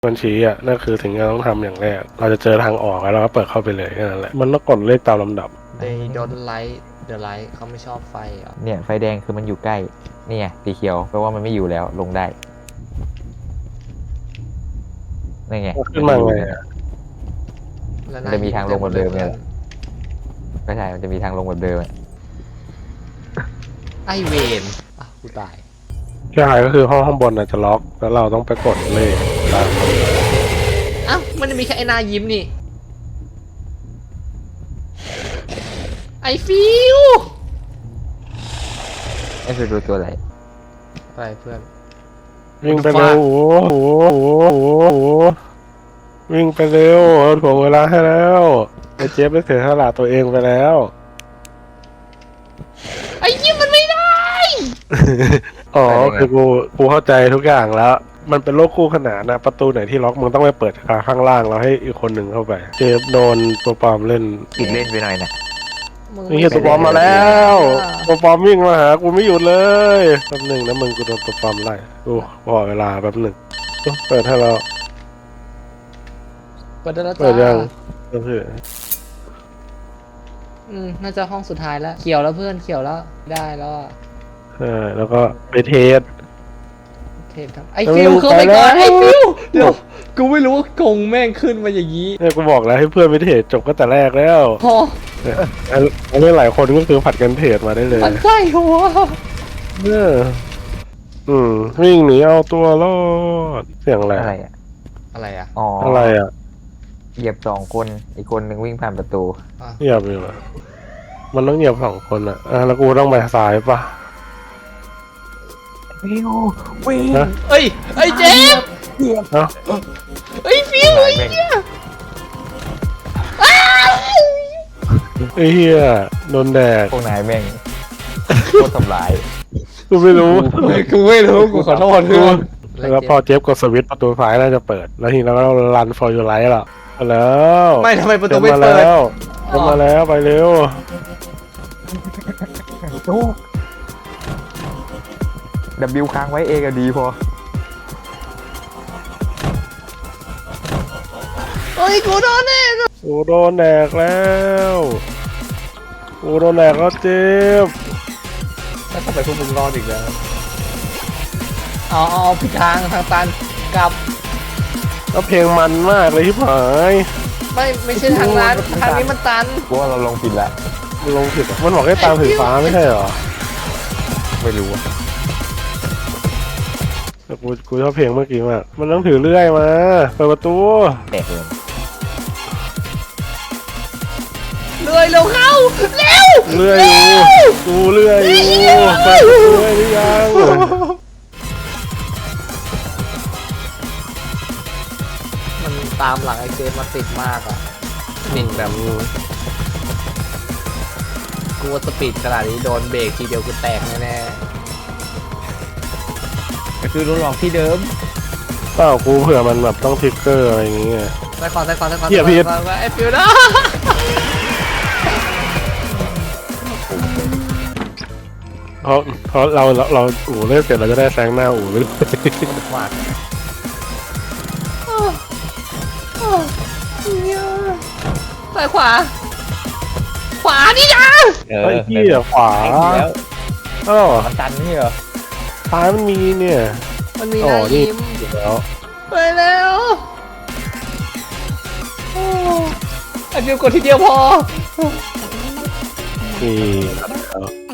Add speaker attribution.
Speaker 1: มันชี้อ่ะนั่นคือสิ่งที่เราต้องทำอย่างแรกเราจะเจอทางออกแล้วเราก็เปิดเข้าไปเลยแค่นั้นแหละมันต้องกดเลขตามลำดับ
Speaker 2: they don't like the light เขาไม่ชอบไฟเหรอ
Speaker 3: เนี่ยไฟแดงคือมันอยู่ใกล้นี่ไงสีเขียวแปลว่ามันไม่อยู่แล้วลงได้นี่ไง
Speaker 1: ขึ้นมาไงอะ
Speaker 2: แล้ว
Speaker 3: มันจะมีทางลงแบบเดิมเนี่ยไม่ใช่มันจะมีทางลงแบบเดิมอะ
Speaker 2: ไอเวนอ่ะกูตาย
Speaker 1: ใช่ก็คือห้องบนอาจจะล็อกแล้วเราต้องไปกดเลขตาม
Speaker 2: อ้าวมันจะมีแค่ไอ้หน้ายิ้มนี่ไอฟิว
Speaker 3: นี่คือดูตัวอะไร
Speaker 2: อะไรเพื่อน
Speaker 1: วิ่งไปเร็วโอ้โหวิ่งไปเร็วถ่วงเวลาให้แล้วไอ้เจฟได้เสียสละตัวเองไปแล้ว
Speaker 2: ไอยิ้มมันไม่ได้
Speaker 1: อ๋อคือกูเข้าใจทุกอย่างแล้ว มันเป็นโลกคู่ขนานนะประตูไหนที่ล็อกมึงต้องไปเปิดข้างล่างแล้วให้อีกคนหนึ่งเข้าไปเจฟโดนตัวปลอมเล่น
Speaker 3: อีกเล่นไปหน่อยนะ
Speaker 1: นี่คือตัวปลอมมาแล้วตัวปลอมวิ่งมาหากูไม่หยุดเลยแป๊บหนึ่งนะมึงกูโดนตัวปลอมไล่กูบอกเวลาแป๊บหนึ่งเปิดให้เรา
Speaker 2: เปิดได้แล้ว
Speaker 1: เปิด
Speaker 2: จ้า
Speaker 1: ยังก็คือ
Speaker 2: น่าจะห้องสุดท้ายแล้วเขียวแล้วเพื่อนเขียวแล้วได้แล้วอะ
Speaker 1: แล้วก็ไปเทส
Speaker 2: เทปครับไอฟิวเข้าไปก่อนไอฟิวเดี๋ยวกูไม่รู้ว่ากงแม่งขึ้นมาอย่างนี้
Speaker 1: เนี่ยกูบอกแล้วให้เพื่อนไปเทสจบก็แต่แรกแล้ว
Speaker 2: พอ
Speaker 1: เนี่ยอันนี้หลายคนก็คือผัดกันเทสมาได้เลย
Speaker 2: มันใช่หัว
Speaker 1: เนี่ยวิ่งหนีเอาตัวรอดเสียงอะไร
Speaker 3: อะไรอ่ะ
Speaker 2: อะไรอ่ะ
Speaker 3: อ๋อ
Speaker 1: อะไรอ่ะ
Speaker 3: เหยียบ2 คนอีกคนหนึ่งวิ่งผ่านประตู
Speaker 1: เหยียบอยู่อะมันต้องเหยียบ2 คนอ่ะแล้วกูต้องไปซ้ายปะ
Speaker 3: วิ่งวิ่ง
Speaker 1: นะ
Speaker 2: เอ้ยไอเจมส์
Speaker 1: เอ้า
Speaker 2: ไอฟิวไอ้เหี้ยอ้าว
Speaker 1: ไอ้เหี้ยโดนแดก
Speaker 3: พวกนายแม่งโคตรทำลาย
Speaker 1: กูไม่รู้
Speaker 2: กูไม่รู้กูขอโทษเพื่อน
Speaker 1: แล้วพอเจฟกดสวิตช์ประตูซ้ายน่าจะเปิด แล้วทีนี้เราก็รัน for your life หรอมาแล้ว
Speaker 2: ไม่ทำไมประตู
Speaker 1: เดิน
Speaker 2: ไม่
Speaker 1: มา
Speaker 2: เปิด
Speaker 1: แล้วเดินมาแล้วไปเร็ว
Speaker 3: W ค้างไว้ A กับ D พอ
Speaker 2: เฮ้ยกูโดนแน่
Speaker 1: กูโดนแดกแล้วกูโดนแดกแล้วเจฟ
Speaker 2: แล้วทำไมพวกมึงรอดอีกแล้วเอาผิดทางตันกลับ
Speaker 1: แล้วเพลงมันมากเลยที่ผาย
Speaker 2: ไม่ใช่ทางนั้นทางนี้มันตัน
Speaker 3: กูว่าเราลงผิดละ
Speaker 1: มันลงผิดอะมันบอกให้ตามสีฟ้าไม่ใช่เหรอ
Speaker 3: ไม่รู้อะ
Speaker 1: แต่กูชอบเพลงเมื่อกี้มากมันต้องถือเลื่อยมาเปิดประตู
Speaker 3: แตกเลย
Speaker 2: เลยเร็วเข้าเร็ว
Speaker 1: เลื่อยอยู่กูเลื่อยอยู่เปิดประตูให้หรือยัง
Speaker 2: มันตามหลังไอเจมมาติดมากอ่ะนิ่งแบบกูว่าสปีดขนาดนี้โดนเบรกทีเดียวกูแตกแน่
Speaker 3: ก็คือโดนหลอกที่เดิม
Speaker 1: เปล่ากูเผื่อมันแบบต้องทริกเกอร์อะไรอย่างเงี้ย
Speaker 2: ๆไปก่อน
Speaker 1: เหี้ยพี่
Speaker 2: ไอฟิวนะ
Speaker 1: เพราะเราอู่เล่นเสร็จเราจะได้แซงหน้าอู่ไปเลย
Speaker 2: มากซ้ายขวานี่นะ
Speaker 1: ไอ้ที่ขวา
Speaker 3: แล้ว
Speaker 1: อ้าว
Speaker 3: มันตันนี่เหรอ
Speaker 1: ซ้ายมันมีเนี่ย
Speaker 2: มันมี
Speaker 1: อ๋อ
Speaker 2: หน้า
Speaker 1: นี่
Speaker 2: ยิ้ม
Speaker 1: อยู่แล้ว
Speaker 2: ไปแล้วไอฟิวกดทีเดียวพอ
Speaker 1: นี่